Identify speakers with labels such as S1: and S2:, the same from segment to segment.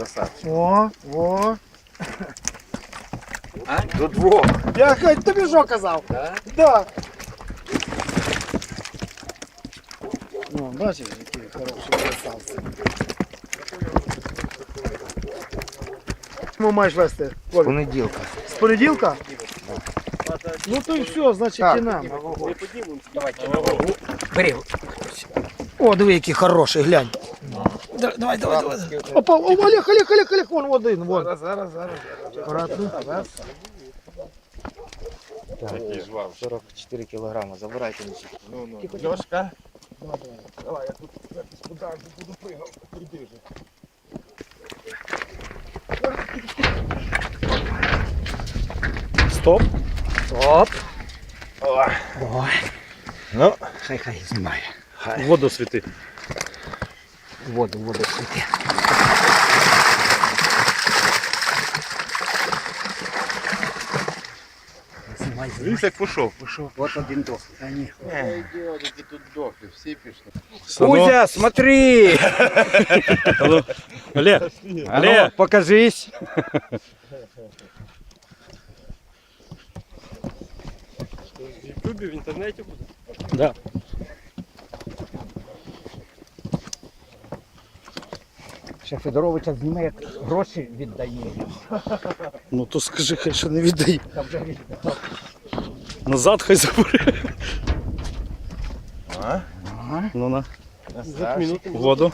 S1: Красавчик.
S2: О.
S1: А? До двох.
S2: Я тобі що казав?
S1: Да?
S2: Да. Ну, бачиш, які хороші красавці. Чому маєш вести? Коль?
S1: Понеділка.
S2: З понеділка? Ну то і все, значить і нам.
S1: Бери.
S2: О, диви, який хороший, глянь. Давай. Опа, Олег, вон один, вон.
S1: Зараз.
S2: Аккуратно.
S1: Такий жвав.
S3: 44 кілограми, забирайте мені.
S1: Ну. Льошка.
S2: Давай, я тут господарку буду пригав, приди вже.
S3: Стоп.
S1: Давай.
S3: Ну,
S1: Хай знімає.
S3: воду світи.
S1: Воду світи.
S3: Дивись, як пішов.
S1: Вот один дох. А ні.
S4: Тут дохли, всі пішли.
S1: Кузя, смотри!
S3: Олег,
S1: А ну, покажись.
S3: в Ютубі, в інтернеті буде? Да.
S1: Ще Федоровича зніме, як гроші віддає.
S3: Ну то скажи, хай що не віддай.
S1: Та вже віддав.
S3: Назад хай забере.
S1: Ага.
S3: Ну на. Воду.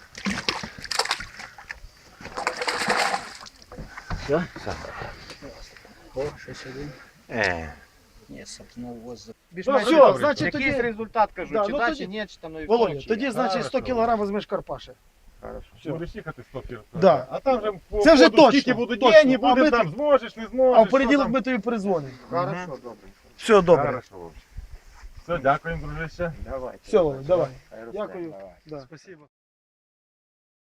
S1: Все? О, щось один. Ні, сапнув воздух.
S2: Ну все, значить
S4: Якийсь
S2: тоді,
S4: результат кажу,
S2: Да,
S4: чи
S2: ну
S4: да,
S2: тоді-
S4: чи ні, чи там нові
S2: Володя,
S4: кончені.
S2: тоді значить 100 кг візьмеш Карпаші.
S4: Хорошо.
S5: Будеш їхати 100 кілометрів.
S2: Да.
S5: А там вже по
S2: Це вже
S5: ходу
S2: точно,
S5: скільки будуть
S2: точно.
S5: дні,
S2: А ми
S5: буде
S2: тут-
S5: там, зможеш, не зможеш.
S2: А в
S5: що
S2: понеділок
S5: там.
S2: ми тобі перезвонимо.
S4: Хорошо, добре.
S2: Все добре.
S5: Хорошо, Вовчик. Все, дякуємо, дружище.
S4: Давайте.
S2: Все, Володя, давай.
S4: Хай росте,
S2: Дякую.
S4: давай.
S2: Да. Спасибо.